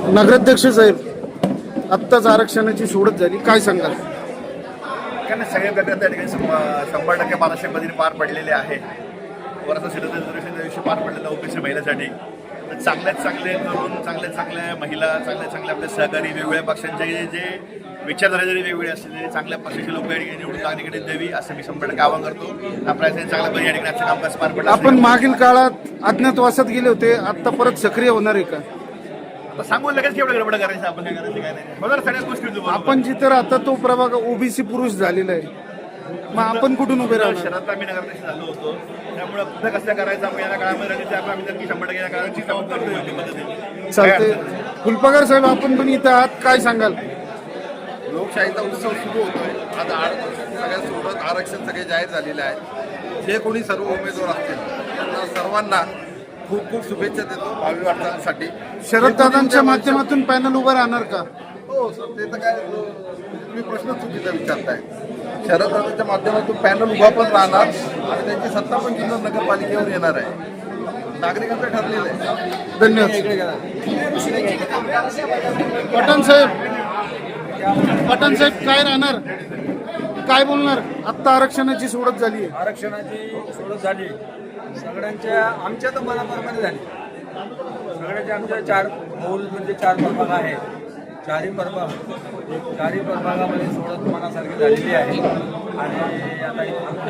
नगराध्यक्ष साहेब, आत्ताच आरक्षणाची सोडत झाली, काय सांगाल? सगळे प्रकार त्या ठिकाणी 100% महाराष्ट्र पद्धतीने पार पडलेले आहे. वरचा सिटीजन दिवशी पार पडलेला ओबीसी महिलांसाठी चांगल्यात चांगले तरुण, चांगल्यात चांगल्या महिला, चांगल्यात चांगल्या आपल्या सहकारी वेगवेगळ्या पक्षांचे जे विचारधारा जरी वेगवेगळे असतील तरी चांगल्या पक्षाचे लोक या ठिकाणी निवडून नागरिकांनी द्यावी असं मी 100% आवाहन करतो. आपल्या चांगल्या पद्धतीने या ठिकाणी आजचं कामकाज पार पडलं. आपण मागील काळात अज्ञातवासात गेले होते, आता परत सक्रिय होणार आहे का? सांगून लगेच केवढं गडबड करायचं, आपण काय करायचं काय नाही. बरोबर, सगळ्याच गोष्टी आपण जिथे राहता तो प्रभाग ओबीसी पुरुष झालेला आहे, मग आपण कुठून उभे राहणार? शहरात आम्ही नगराध्यक्ष झालो होतो, त्यामुळे पुढे कसं करायचं आपण या काळामध्ये आम्ही नक्की 100% या काळाची काम करतो योग्य पद्धतीने. चालते. फुलपगार साहेब, आपण पण इथं आहात, काय सांगाल? लोकशाहीचा उत्सव सुरू होतोय. आता सगळ्यांसोबत आरक्षण सगळे जाहीर झालेले आहे. जे कोणी सर्व उमेदवार असतील त्यांना सर्वांना खूप खूप शुभेच्छा देतो भावी वाटचालीसाठी. शरद दादांच्या माध्यमातून पॅनल उभं राहणार का? हो सर, ते तर काय तुम्ही प्रश्न चुकीचा विचारताय. शरद दादांच्या माध्यमातून पॅनल उभा पण राहणार आणि त्यांची सत्ता पण जुन्नर नगरपालिकेवर येणार आहे. नागरिकांचं ठरलेलं आहे. धन्यवाद. पठाण साहेब, पठाण साहेब, काय राहणार, काय बोलणार? आत्ता आरक्षणाची सोडत झाली आहे. आरक्षणाची सोडत झाली, सगळ्यांच्या आमच्या तर मनाप्रमाणे झाली. सगळ्यांच्या आमच्या 4 मौल म्हणजे 4 प्रभाग आहे. चारही प्रभागामध्ये सोडत मनासारखी झालेली आहे. आणि आता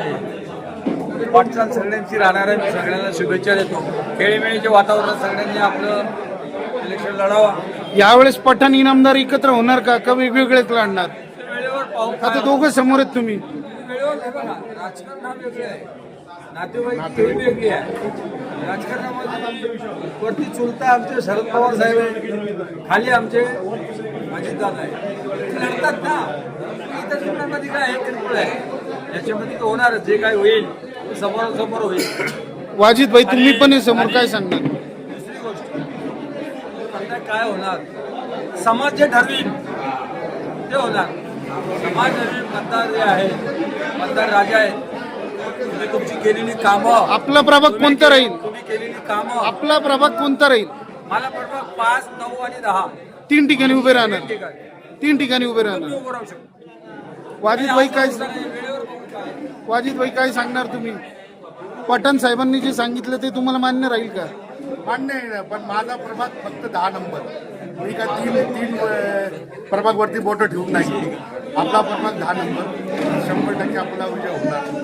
इथे वाटचाल सगळ्यांची राहणार आहे. मी सगळ्यांना शुभेच्छा देतो. खेळीमेळीचे वातावरण सगळ्यांनी आपलं इलेक्शन लढावा. यावेळेस पठाण इनामदार एकत्र होणार का वेगवेगळेच लढणार? वेळेवर पाहू. आता दोघं समोर आहेत तुम्ही. वेळेवर हे बघा, राजकारण हा वेगळं आहे, नातेवाईक खेळी वेगळी आहे. राजकारणामध्ये वरती चुलता आमचे शरद पवार साहेब आहे, खाली आमचे अजितदादा आहे. लढतात ना. इतर चित्रांमध्ये काय आहे, किरकोळ आहे. याच्यामध्ये तर होणार, जे काय होईल समोरासमोर होईल. वाजिद भाई, तुम्ही पण आहे समोर, काय सांगणार? दुसरी गोष्ट आता काय होणार, समाज जे ठरवील ते होणार. समाज ठरवील. मतदार जे आहे, मतदार राजा आहेत. तुम्ही तुमची केलेली कामं, आपला प्रभाग कोणता राहील? तुम्ही केलेली कामं. आपला प्रभाग कोणता राहील? मला प्रभाग 5, 9 आणि 10 3 ठिकाणी उभे राहणार. ठीक आहे. 3 ठिकाणी उभे राहणार. उभं राहू शकतो. वाजिद भाई काय, वेळेवर बघू काय. वाजिद भाई काय सांगणार तुम्ही? पठाण साहेबांनी जे सांगितलं ते तुम्हाला मान्य राहील का? मान्य आहे, पण माझा प्रभाग फक्त 10 नंबर. मी काय तीन प्रभागवरती बोटं ठेवून नाही. आपला प्रभाग 10 नंबर 100% आपला विजय होणार.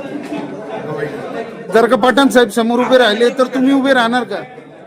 जर का पठाण साहेब समोर उभे राहिले तर तुम्ही उभे राहणार का?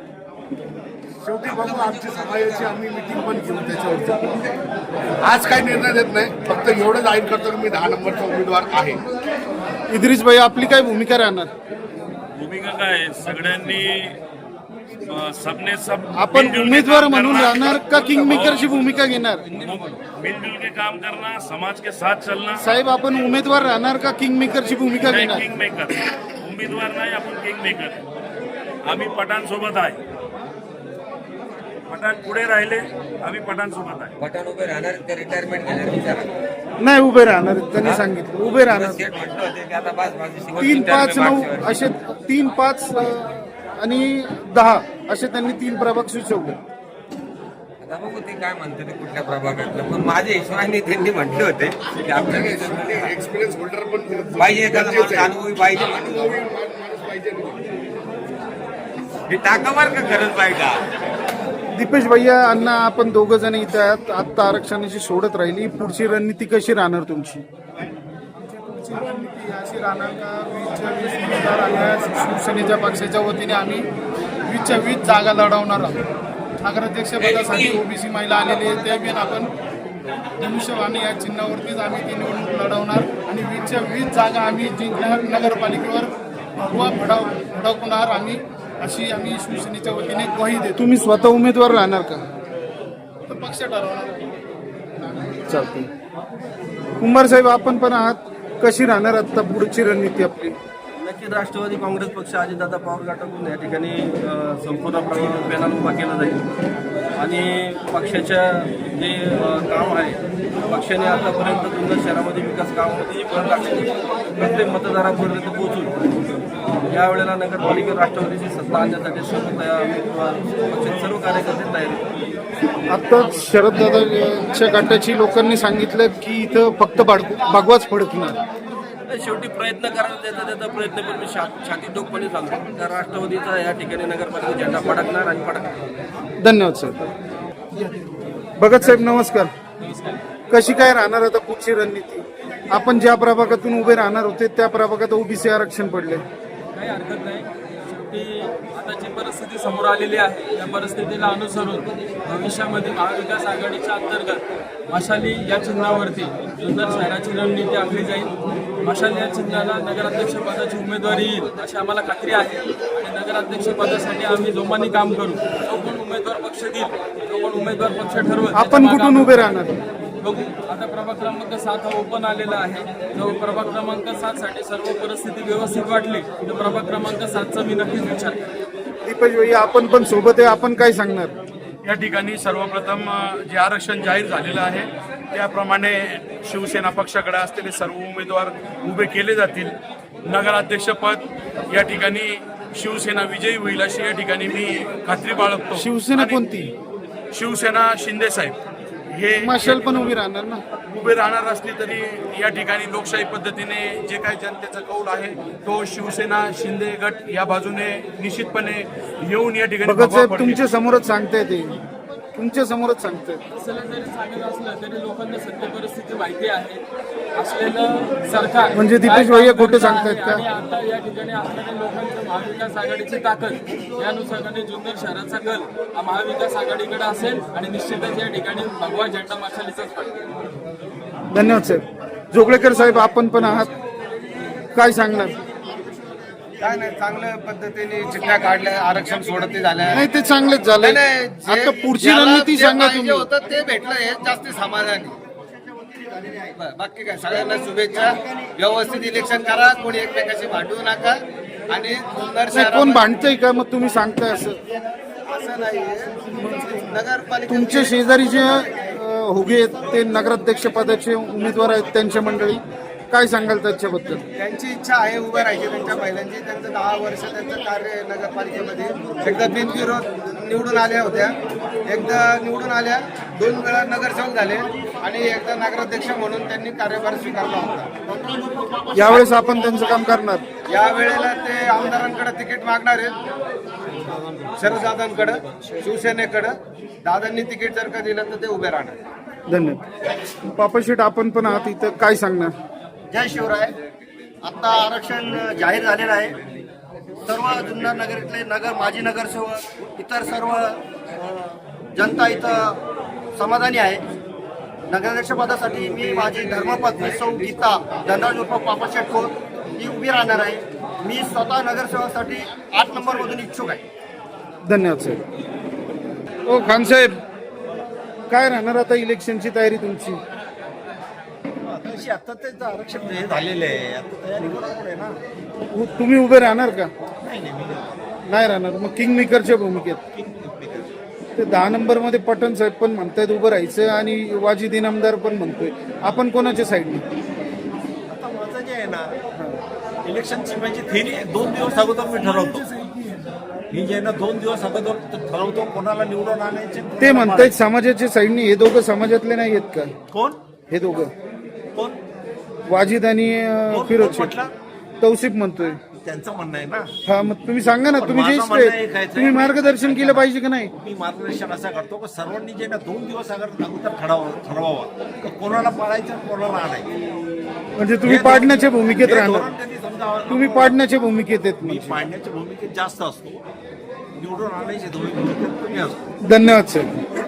शेवटी बघू, आमची समाजाची आम्ही मिटिंग पण घेऊ त्याच्यावरती. आज काही निर्णय देत नाही, फक्त एवढं जाहीर करतो की मी 10 नंबरचा उमेदवार आहे. इद्रिस भाई, आपली काय भूमिका राहणार? भूमिका काय, सगळ्यांनी सबने सब आपण मिलजुल के उमेदवार काम म्हणून करना, राहणार का किंग मेकरची भूमिका घेणार? मिलजुल के काम करना, समाज के साथ चलना. साहेब, आपण उमेदवार राहणार का किंग मेकरची भूमिका नाही, घेणार? किंग मेकर उमेदवार नाही, आपण किंग मेकर. आम्ही पठाण सोबत आहे. पठाण पुढे राहिले, आम्ही पठाण सोबत आहे. पठाण उभे राहणार ते रिटायरमेंट घेणार विचारा. नाही, उभे राहणार. त्यांनी सांगितलं उभे राहणार. सेट म्हटलं होते की आता बस माझी 3, 5, 9 असे 3, 5 आणि 10 असे त्यांनी 3 प्रभाग सुचवले. आता बघू ते काय म्हणते ते कुठल्या प्रभागातलं. पण माझ्या हिशोबाने त्यांनी म्हटले होते की आपल्याला एक्सपिरियन्स होल्डर पण पाहिजे, एखादा माणूस अनुभवी पाहिजे. हे टाकावर का गरज पाहिजे? दीपेश भैया, अण्णा, आपण दोघं जण इथे आहात. आत्ता आरक्षणाची सोडत राहिली, पुढची रणनीती कशी राहणार तुमची? पुढची रणनीती अशी राहणार का, 20 उमेदवार आल्यास शिवसेनेच्या पक्षाच्या वतीने आम्ही 20 जागा लढवणार आहोत. नगराध्यक्षपदासाठी ओबीसी महिला आलेली आहे, त्या बिन आपण धनुष्यवाणी या चिन्हावरतीच आम्ही ती निवडणूक लढवणार आणि 20 जागा आम्ही जिंकणार. नगरपालिकेवर भगवा फडकवणार आम्ही, अशी आम्ही शिवसेनेच्या वतीने ग्वाही देतो. तुम्ही स्वतः उमेदवार राहणार का? तर पक्ष ठरवणार. चालते. कुंभार साहेब, आपण पण आहात, कशी राहणार आता पुढची रणनीती आपली? नक्कीच राष्ट्रवादी काँग्रेस पक्ष अजितदादा पवार गटाकडून या ठिकाणी संपूर्ण पॅनल उभा केला जाईल आणि पक्षाच्या जे काम आहे, पक्षाने आतापर्यंत जुन्नर शहरामध्ये विकास कामामध्ये भर टाकली, प्रत्येक मतदारापर्यंत पोहोचून यावेळेला नगरपालिकेवर राष्ट्रवादीची सत्ता आणण्यासाठी पक्षाचे सर्व कार्यकर्ते तयार आहेत. आता शरददादांच्या गटाची लोकांनी सांगितलं की इथं फक्त भगवाच फडकणार. शेवटी प्रयत्न करायला त्याचा प्रयत्न पण मी छाती टोकपणे सांगतो तर राष्ट्रवादीचा या ठिकाणी नगरपालिका झेंडा फडकणार आणि फडकणार. धन्यवाद साहेब. भगत साहेब नमस्कार. कशी काय राहणार आता पुढची रणनीती? आपण ज्या प्रभागातून उभे राहणार होते त्या प्रभागात ओबीसी आरक्षण पडले. काही हरकत नाही. शेवटी आता जी परिस्थिती समोर आलेली आहे त्या परिस्थितीला अनुसरून भविष्यामध्ये महाविकास आघाडीच्या अंतर्गत मशाली या चिन्हावरती जुन्नर शहराची रणनीती आखली जाईल. मशाली या चिन्हाला नगराध्यक्ष पदाची उमेदवारी येईल अशी आम्हाला खात्री आहे आणि नगराध्यक्ष पदासाठी आम्ही जोमाने काम करू. जो कोण उमेदवार पक्ष देईल जो कोण उमेदवार पक्ष ठरवत आपण कुठून उभे राहणार? बघू. आता प्रभाग क्रमांक 7 हा ओपन आलेला आहे. जो प्रभाग क्रमांक 7 साठी सर्व परिस्थिती व्यवस्थित वाटली तर प्रभाग क्रमांक 7चा मी नक्कीच विचार करेन. दीपक भाई आपण पण सोबत आहे, आपण काय सांगणार? या ठिकाणी सर्वप्रथम जे आरक्षण जाहीर झालेलं आहे त्याप्रमाणे शिवसेना पक्षाकडे असलेले सर्व उमेदवार उभे केले जातील. नगराध्यक्षपद या ठिकाणी शिवसेना विजयी होईल अशी या ठिकाणी मी खात्री बाळगतो. शिवसेना आणि कोणती? शिवसेना शिंदे साहेब हे मशाल पण उभी राहणार ना? उभे राहणार असली तरी या ठिकाणी लोकशाही पद्धतीने जे काही जनतेचा कौल आहे तो शिवसेना शिंदे गट या बाजूने निश्चितपणे येऊन या ठिकाणी भगत साहेब भगवा तुमच्या समोरच सांगताय ते, तुमच्या समोरच सांगताय. असलं जरी सांगत असलं तरी लोकांना सत्य परिस्थिती माहिती आहे. असलेलं सरकार म्हणजे दीपेश काय भैया काम खोटं करत सांगतायत आहे का? आणि आता या ठिकाणी असणाऱ्या लोकांच्या महाविकास आघाडीची ताकद या अनुषंगाने जुन्नर शहराचा कल हा महाविकास आघाडीकडे असेल आणि निश्चितच या ठिकाणी भगवा झेंडा मशालीचाच पडेल. धन्यवाद साहेब. जोगळेकर साहेब आपण पण आहात, काय सांगणार? काय नाही, चांगल्या पद्धतीने चिठ्ठ्या काढल्या, आरक्षण सोडती झाल्या. नाही ते चांगलेच झाले. आता पुढची रणनीती सांगा तुम्ही. होतं ते भेटलं हे जास्त समाधानी. बाकी काय, सगळ्यांना शुभेच्छा. व्यवस्थित इलेक्शन करा, कोणी एकमेकाशी भांडू नका आणि सुंदर नाही, कोण भांडतंय का मग तुम्ही सांगताय असं? असं नाही. नगरपालिका तुमचे शेजारीचे होगे आहेत ते नगराध्यक्ष पदाचे उमेदवार आहेत, त्यांच्या मंडळी काय सांगाल त्याच्याबद्दल? त्यांची इच्छा आहे उभं राहायची. त्यांच्या महिलांची, त्यांचं 10 वर्ष त्यांचं कार्य नगरपालिकेमध्ये. एकदा बिनविरोध निवडून आल्या होत्या, एकदा निवडून आल्या, 2 वेळा नगरसेवक झाले आणि एकदा नगराध्यक्ष म्हणून त्यांनी कार्यभार स्वीकारला होता. यावेळेस आपण त्यांचं काम करणार. या वेळेला ते आमदारांकडे तिकीट मागणार आहेत, शरददादांकडे, शिवसेनेकडे. दादांनी तिकीट जर का दिलं तर ते उभे राहणार. धन्यवाद. पापाशेठ आपण पण आहात इथं, काय सांगणार? जय शिवराय. आता आरक्षण जाहीर झालेलं आहे. सर्व जुन्नर नगरीतले माजी नगरसेवक, इतर सर्व जनता इथं समाधानी आहे. नगराध्यक्षपदासाठी मी माझी धर्मपत्नी सौ गीता धनराज उर्फ पापाशेठ खोत ही उभी राहणार आहे. मी स्वतः नगरसेवकासाठी 8 नंबरमधून इच्छुक आहे. धन्यवाद साहेब. ओ खान साहेब, काय राहणार आता इलेक्शनची तयारी तुमची? आता त्याचं आरक्षण हे झालेलं आहे, आता तयारी करू ना. तुम्ही उभे राहणार का? नाही राहणार. मग किंग मेकरच्या भूमिकेत ते 10 नंबर मध्ये पटन साहेब पण म्हणतायत उभं राहायचं आणि वाजिद इनामदार पण म्हणतोय. आपण कोणाच्या साईडने? आता माझं जे आहे ना, इलेक्शनची माझी थेरी 2 दिवस अगोदर मी ठरवतो. मी जे आहे ना 2 दिवस अगोदर ठरवतो कोणाला निवडून आणायचे. ते म्हणतायत समाजाच्या साईडने. हे दोघं समाजातले नाही आहेत का? कोण? हे दोघं कोण? वाजिद आणि फिरोज शेख. म्हटलं? तौसिफ म्हणतोय. त्यांचं म्हणणं आहे ना. हा, मग तुम्ही सांगा ना, तुम्ही माझं ज्येष्ठ म्हणणं आहेत, एक आहे, तुम्ही मार्गदर्शन केलं पाहिजे का नाही? मी मार्गदर्शन असं करतो की सर्वांनी जे ना 2 दिवस अगोदर ठरवावा की कोणाला पाळायचं कोणाला आणायचं. म्हणजे तुम्ही पाडण्याच्या भूमिकेत हे राहणार. धोरण त्यांनी समजावं. तुम्ही पाडण्याच्या भूमिकेत आहेत मी म्हणजे. पाडण्याच्या भूमिकेत जास्त असतो, निवडून आणायची भूमिकेत कमी असतो. धन्यवाद सर.